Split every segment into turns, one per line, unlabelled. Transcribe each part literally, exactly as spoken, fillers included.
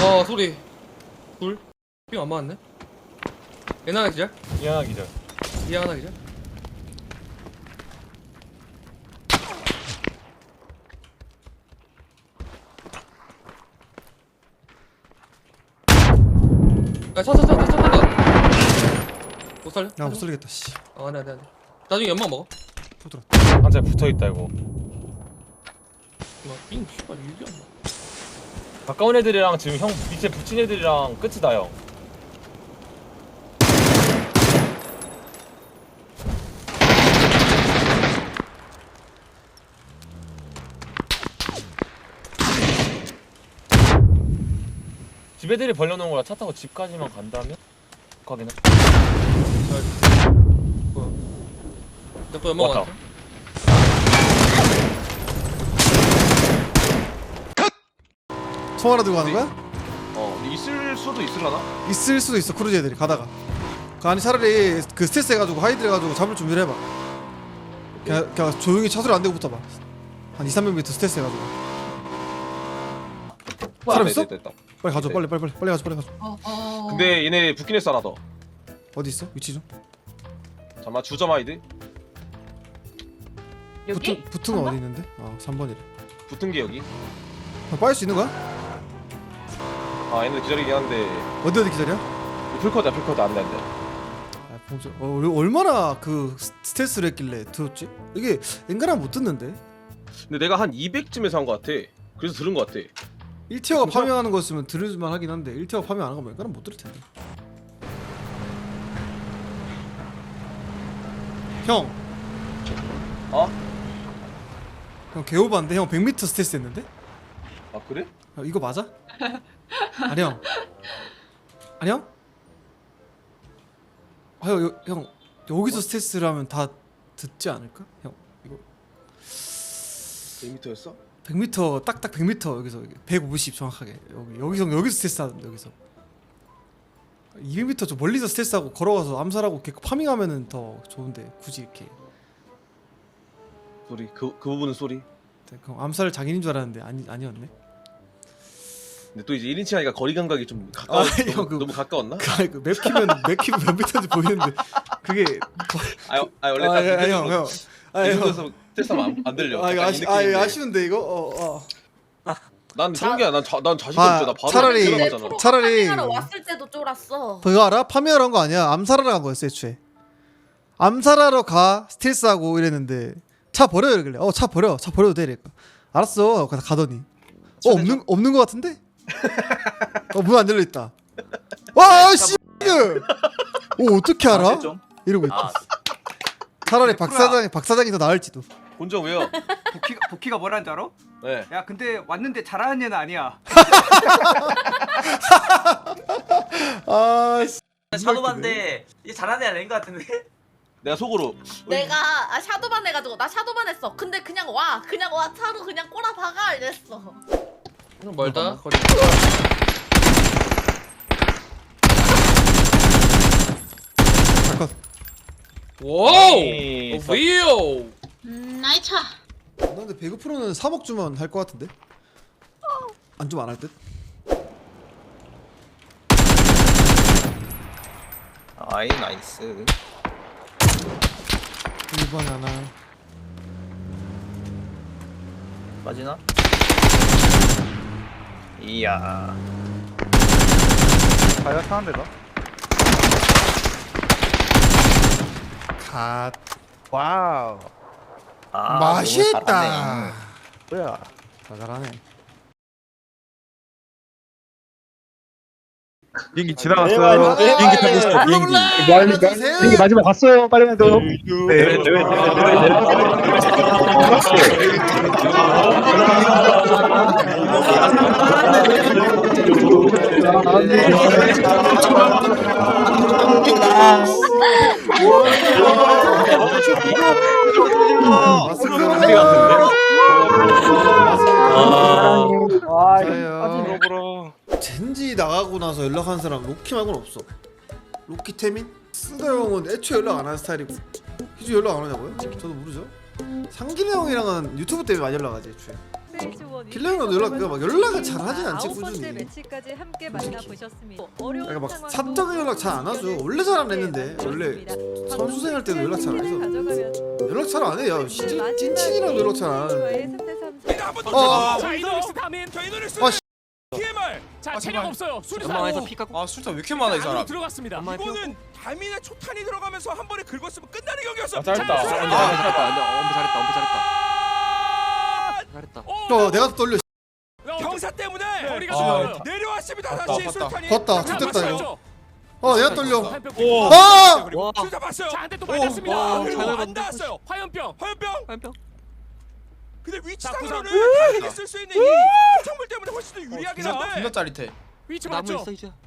어 소리 둘 삥 안 맞았네. 얘 하나 기절.
이 하나 기절.
얘 하나 기절. 야차차차차차차 못 살려?
야 못 살리겠다 씨.
어 안돼 안돼 안돼. 나중에 연막 먹어.
포들어.
한자 붙어있다 이거.
삥 씨발 일이 안 나.
가까운 애들이랑 지금 형 밑에 붙인 애들이랑 끝이다 형. 집 애들이 벌려놓은 거라 차 타고 집까지만 간다면? 가기는.
뭐야? 내거 연막
왔다.
왔어?
총 하나 들고 가는 거야?
어 있을 수도 있을라나?
있을 수도 있어 크루즈 애들이 가다가. 그 아니 차라리 그 스트레스 해가지고 하이드 해가지고 잡을 준비를 해봐. 그냥, 그냥 조용히 차 소리 안 내고 붙어봐. 한 이삼백 미터 스트레스 해가지고. 사람 있어?
됐다, 됐다.
빨리 가져
네.
빨리 빨리 빨리 빨리 가져 빨리 가져.
어, 어.
근데 얘네 붙긴 했어 하나 더.
어디 있어? 위치 좀.
잠깐만 주점 아이디.
여기?
붙은 붙은 거 어디 있는데? 아 삼 번이래.
붙은 게 여기.
아, 빠질 수 있는 거야?
아 얘네 기다리긴 한데.
어디 어디 기다려?
풀커다 풀커다 안돼 안돼.
아, 봉주. 어, 우리 얼마나 그 스- 스트레스를 했길래 들었지? 이게 엔간하면 못 듣는데.
근데 내가 한 이백쯤에서 한 거 같아. 그래서 들은 거 같아.
일 티어가
진짜?
파밍하는 거였으면 들을만 하긴 한데 일 티어가 파밍 안 하는 거 엔간하면 못 들을 텐데. 형.
어?
형 개오반데 형 백 미터 스트레스 했는데?
아 그래?
아, 이거 맞아? 아니 형. 아니 형? 아, 형, 여- 형 여기서 스트레스를 하면 다 듣지 않을까? 형 이거
백 미터였어?
백 미터 딱딱 백 미터 여기서 백오십 정확하게 여기 여기서 여기서 스트레스 하는데 여기서 이백 미터 좀 멀리서 스트레스하고 걸어가서 암살하고 이렇게 파밍하면은 더 좋은데 굳이 이렇게
소리 그, 그 부분은 소리.
그럼 암살 장인인 줄 알았는데 아니 아니었네.
근데 또 이제 일 인칭 하니까 거리 감각이 좀 가까워.
아,
너무,
형, 그-
너무 가까웠나?
그맵 키면 맵 키면 몇 미터인지 보이는데 그게
아, 아 원래 딱
아형 형. 아 형.
이쪽에서 테스트하면 안, 안 들려.
아 이거
약간
아쉬
이
아 이거
느낌인데.
아쉬운데 이거 어 어.
난 그런 게 아니야. 난, 자, 난 자신
아,
없지. 나 바로
차라리-
들어가잖아.
차라리-
하러 왔을 때도 쫄았어.
그거 알아? 파밍하러 간 거 아니야. 암살하러 간 거였어 애초에. 암살하러 가 스트레스하고 이랬는데 차 버려 이러길래 어 차 버려 차 버려도 돼 이랬까 알았어 그래서 가더니 어 없는 없는 거 같은데? 어 문 안 열려 있다. 와 씨. 어 어떻게 알아? 이러고 있다. 차라리 박 사장 박 사장이 더 나을지도.
본적 왜요?
복희가 복희가 뭐라는 줄 알아?
네.
야 근데 왔는데 잘하는 애는 아니야.
아 씨.
샤도반데 이게 잘하는 애 아닌 것 같은데?
내가 속으로
내가 아, 샤도반 해가지고 나 샤도반 했어. 근데 그냥 와 그냥 와 차로 그냥 꼬라 박아 이랬어.
좀 멀다. 거리.
잠깐.
와우.
에이,
어, 위오.
음, 나이 차.
나 근데 배구 프로는 삼억 주면 할 것 같은데? 안 주면 안 할 듯?
아이 나이스.
일 번 하나.
빠지나? 이야.
가야 타는데 너?
갓.
와우.
아,
맛있다.
너무 잘하네.
뭐야?
다 잘하네.
비행기 지나갔어요. 비행기 타고 있어. 비행기.
뭐합니까?
비행기 마지막 갔어요. 빨리 가요. 네.
맞아요. 젠지 나가고 나서 연락한 사람 로키 말고는 없어. 로키 태민? 쓰다 형은 애초에 연락 안 하는 스타일이고 희주 연락 안 하냐고요? 저도 모르죠. 상길이 형이랑은 유튜브 때문에 많이 연락하지 애초에. 킬러 형도 연락 막 연락을 잘 하진 않지 꾸준히.
매치까지 함께 만나보셨습니다. 어려운
그러니까 막
상황도
사적인 연락 잘 안 하죠. 원래 잘 안 했는데 원래 선수 생활 때도 연락 잘 안 해서 연락 잘 안 해요. 진짜 찐친이랑 연락 잘 안 하는데. 어.
자 이노닉스 다민. 저 이노닉스.
아, 씨.
티엠알. 자 체력 없어요. 수리사고.
아 술탄 왜 이렇게 많아 이
안으로
사람.
들어갔습니다. 이거는 다민의 초탄이 들어가면서 한 번에 긁었으면 끝나는 경기였어.
아, 짧다.
자,
아,
수리사.
짧다.
엄청 잘했다. 엄청 잘했다. 잘했다.
어 내가 또 떨려.
경사 때문에 머리가
아,
좀 내려왔습니다.
봤다,
다시
봤다.
술탄이.
봤다.
자,
좋댔다,
봤어요.
이거. 어 내가 떨려.
오.
아!
그리고 수리사 봤어요. 자, 한 대 또 맞았습니다.
와,
그리고
잘
안 닿았어요. 화염병. 화염병.
한병.
근데
자,
위치상으로는
부상.
다민이 쓸 수 있는 이 총물 때문에 훨씬 더 유리하긴
존나
한데.
짜릿해.
위치
나무
맞죠?
있어 이제.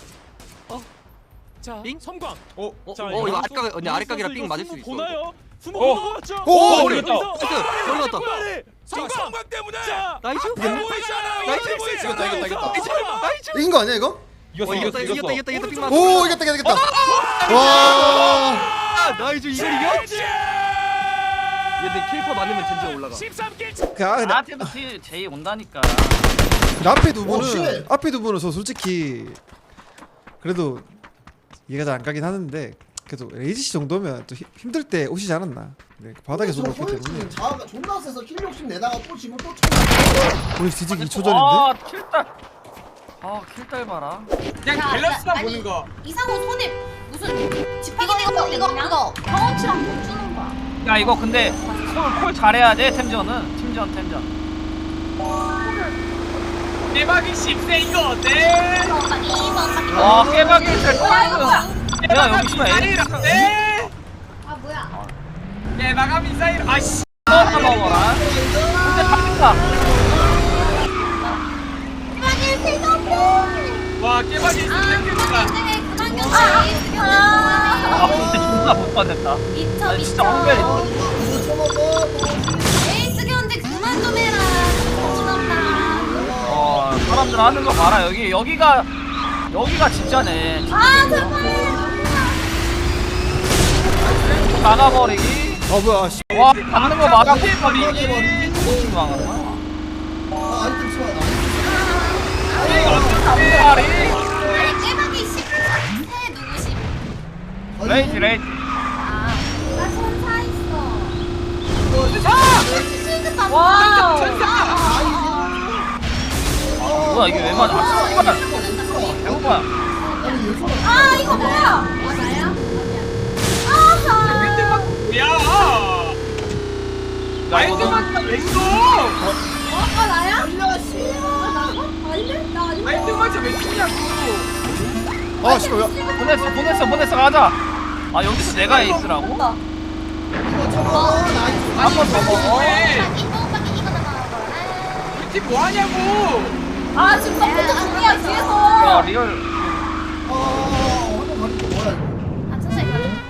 자,
빙?
섬광.
어?
어, 어 이거 아래각 언니 아래각이랑 빙 맞을 수 있어.
보나요? 수모
어.
맞죠?
오,
머리 있다.
나이스. 머리 갔다.
섬광 섬광 때문에.
나이스.
보이잖아.
나이스.
보이잖아.
이겼다, 이겼다,
나이스.
이긴 거 아니야 이거?
어, 이겼다 이겼다 이겼다 이겼다 빙 맞았어.
오 이겼다 이겼다 이겼다. 와.
아, 나이스 이걸 이겨? 얘들 킬퍼 맞으면 젠지가 올라가.
십삼 킬.
그 아, 근데
나한테도 제이 온다니까.
근데 앞에 두 분은 앞에 두 분은 저 솔직히 그래도 이해가 잘 안 가긴 하는데 그래도 레이지 씨 정도면 또 힘- 힘들 때 오시지 않았나. 네, 그 바닥에서 오기 때문에
자아가 존나 세서 킬 욕심 내다가 또 지금 또 쳐.
우리 뒤지기 이 초 전인데.
아 킬딸. 아 킬딸 봐라.
그냥 밸런스만 보는 거. 이상호 손에 무슨 지팡이 이거 이거 이거 경험치랑 못 주는 거야.
야 이거 근데 콜, 콜 잘해야 돼 템전은. 팀전 템전. 깨박이 십세 이거 어때?
이거 막 이거 막
와 깨박이 잘
뭐야 이거 뭐야?
내가 여기 있으면 에이.
아 뭐야?
깨박아 미사일. 아씨. 너 먹어라. 근데 바뀐다.
아니 생각해.
와 깨박이
아 그만 인생에 그만 견뎌.
아 근데 존나 못 받았다.
미쳐
아니,
미쳐.
진짜 황벨이.
이거 쳐먹어.
에이스 견제 그만 좀 해라. 정신없다.
어 사람들 하는 거 봐라. 여기 여기가 여기가 진짜네.
아 제발.
막아버리기.
아 뭐야? 씨.
와 막는 거 막아버리기. 망하나?
아 아이템 치워.
이거 어떻게 말이?
아니 깨박이 십세 누구십?
레이지 레이지.
아나 천사 있어. 아! 와!
뭐야 이게 왜 맞아? 아 씨발. 배고파.
아 이거 뭐야? 아 나야? 아하.
야. 나 이거 너무 왜 있어?
어? 아 나야? 아 나가? 아닌데? 나 아닌데?
아이템 왜 쓰냐고.
아 씨발. 야.
보냈어 보냈어 보냈어 가자. 아 여기서 내가 에이스라고?
이거 쳐먹어. 나이스.
한 번 더 먹어.
이거 오빠కి 이거 나가는 거야.
팀 뭐하냐고.
아 지금 서포트 중이야
야
뒤에서.
리얼.
어. 한번 가는 거 뭐야 이거.
아 천천히 가자.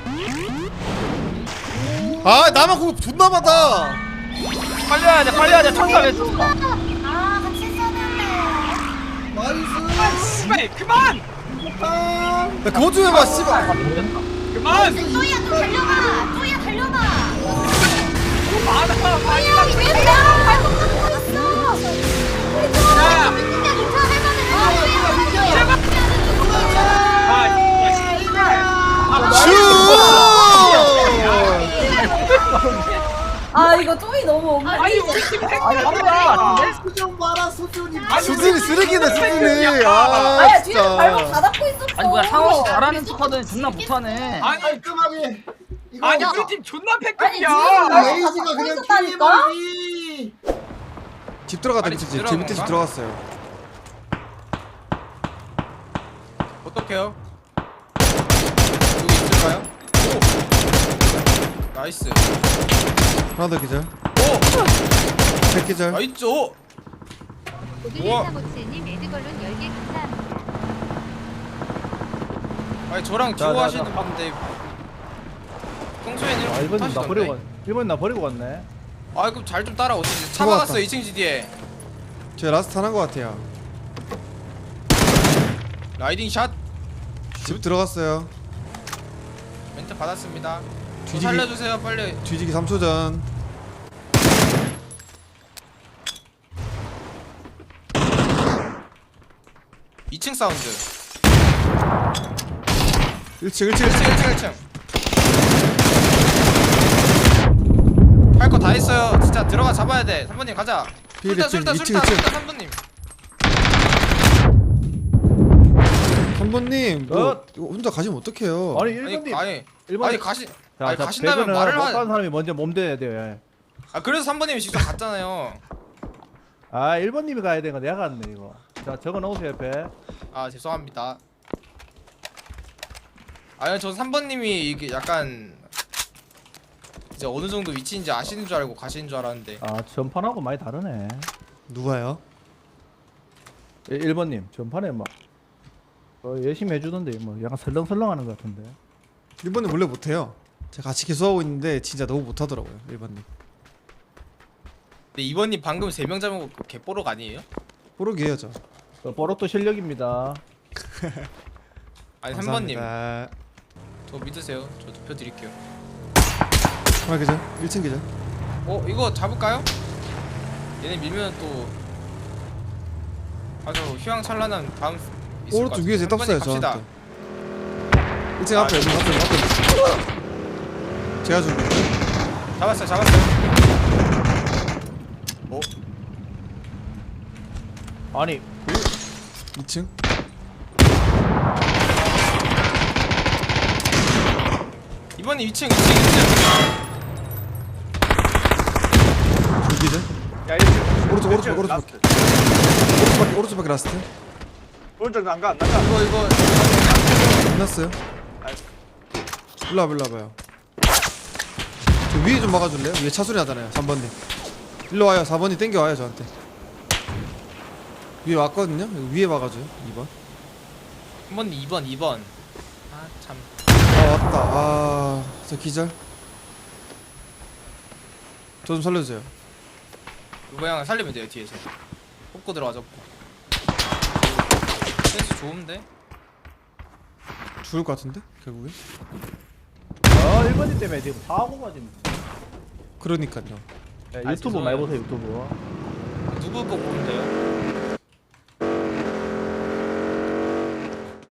아 나만 그거 존나 많다.
빨리 해야 돼 빨리 해야 돼. 천사 왜 썼어?
아 같이 써는데.
나이스.
씨발 그만.
아.
야 그거 좀 해봐 씨발.
그만.
쪼이야 좀 달려봐. 쪼이야 달려봐.
많아 많이.
쪼이야 왜 나랑 발목 잡고 있어? 우리 쪼이야 민규야 괜찮아 할만해. 아 쪼이야 아 이거 쪼이 너무 엉망.
아니 우리 팀 핵이야.
수준 봐라 수준이.
수준이 쓰레기네 수준이. 아
아야 뒤에서 발목
진짜.
다 닫고 있었어.
아니 뭐야 상호 씨 잘하는 척하더니 존나 못하네.
아니 깔끔하게. 이거
아니
야,
우리 팀 존나
아니
패급이야.
뒤에서
레이지가
다
그냥
있었다니까?
킬리버리.
집 들어갔다
아니,
밑에
집
집. 제
들어간
밑에 집
건가?
들어갔어요.
어떡해요? 여기 있을까요? 오! 나이스.
하나 더 기절.
오!
백 기절.
나이스! 오! 우와. 아니 저랑
자,
듀오
자,
하시는
자.
분인데 평소에는
아
이렇게
일본 나
못하시던데.
버리고 갔. 일본 나 버리고 갔네.
아 그럼 잘 좀 따라오시지. 차
잡아왔다.
박았어 이 층 지디에.
제 라스트 하나인 것 같아요.
라이딩 샷
집 들어갔어요.
멘트 받았습니다. 저
뒤지기-
살려주세요 빨리.
뒤지기 삼 초 전.
이 층 사운드.
일 층 일 층
일 층 일 층 일 층. 할 거 다 했어요. 진짜 들어가 잡아야 돼. 삼 번님 가자.
필,
술탄
필,
술탄
이 층,
술탄
이 층.
술탄 삼 번님.
삼번님 뭐
어?
이거 혼자 가시면 어떡해요?
아니
아니
일본님
아니
일본
아니 가시
자,
아니
자,
가신다면
배그는
말을
못 가는
하.
사람이 먼저 몸대야 돼요. 예.
아 그래서 삼 번님이 직접 갔잖아요.
아 일본님이 가야 되는 거 내가 갔네 이거. 자 적어 놓으세요 옆에.
아 죄송합니다. 아니 전 삼 번님이 이게 약간 이제 어느 정도 위치인지 아시는 줄 알고 가시는 줄 알았는데.
아 전판하고 많이 다르네.
누가요?
일 번님 전판에 막 어, 열심히 해주던데 뭐 약간 설렁설렁하는 것 같은데.
일 번님 원래 못해요. 제가 같이 계속하고 있는데 진짜 너무 못하더라고요. 일 번님.
근데 이 번님 방금 세 명 잡은 거 개뽀록 아니에요?
뽀록이에요 저.
어, 뽀로또 실력입니다.
아니 삼 번님
감사합니다.
저 믿으세요. 저 투표 드릴게요.
하나 계절 일 층 계절.
어 이거 잡을까요? 얘네 밀면 또 아주 휘황찬란한 다음 있을 것
오른쪽
같아요.
위에서
삼 번님
떴어요
갑시다.
저한테. 일 층 앞에 여기 앞에 앞에. 제가 준 거.
잡았어요 잡았어요.
아니
이 층.
이번에 이 층 이 층 이 층.
두 계절.
야 일 층.
오른쪽 오른쪽 오른쪽 밖에. 오른쪽 오른쪽 밖에 라스트.
오른쪽 난가 안 난가.
이거 이거
끝났어요. 일로 와봐 일로 와봐요. 저 위에 좀 막아줄래요? 위에 차소리 나잖아요. 삼 번님. 일로 와요. 사 번이 땡겨와요 저한테. 위에 왔거든요. 여기 위에 막아줘요. 이 번.
한 번 이 번 이 번. 아 참.
아 왔다. 아, 저 기절. 저 좀 살려주세요.
이거 형 살리면 돼요 뒤에서. 뽑고 들어가죠. 센스 좋은데?
죽을 것 같은데 결국에.
어 일 번님 때문에 지금 사고가 지금.
그러니까요.
네,
아,
유튜브
죄송해요.
많이 보세요 유튜브.
누구 거 보면 돼요?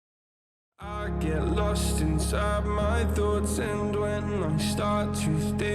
I get lost inside my thoughts, and when I start to think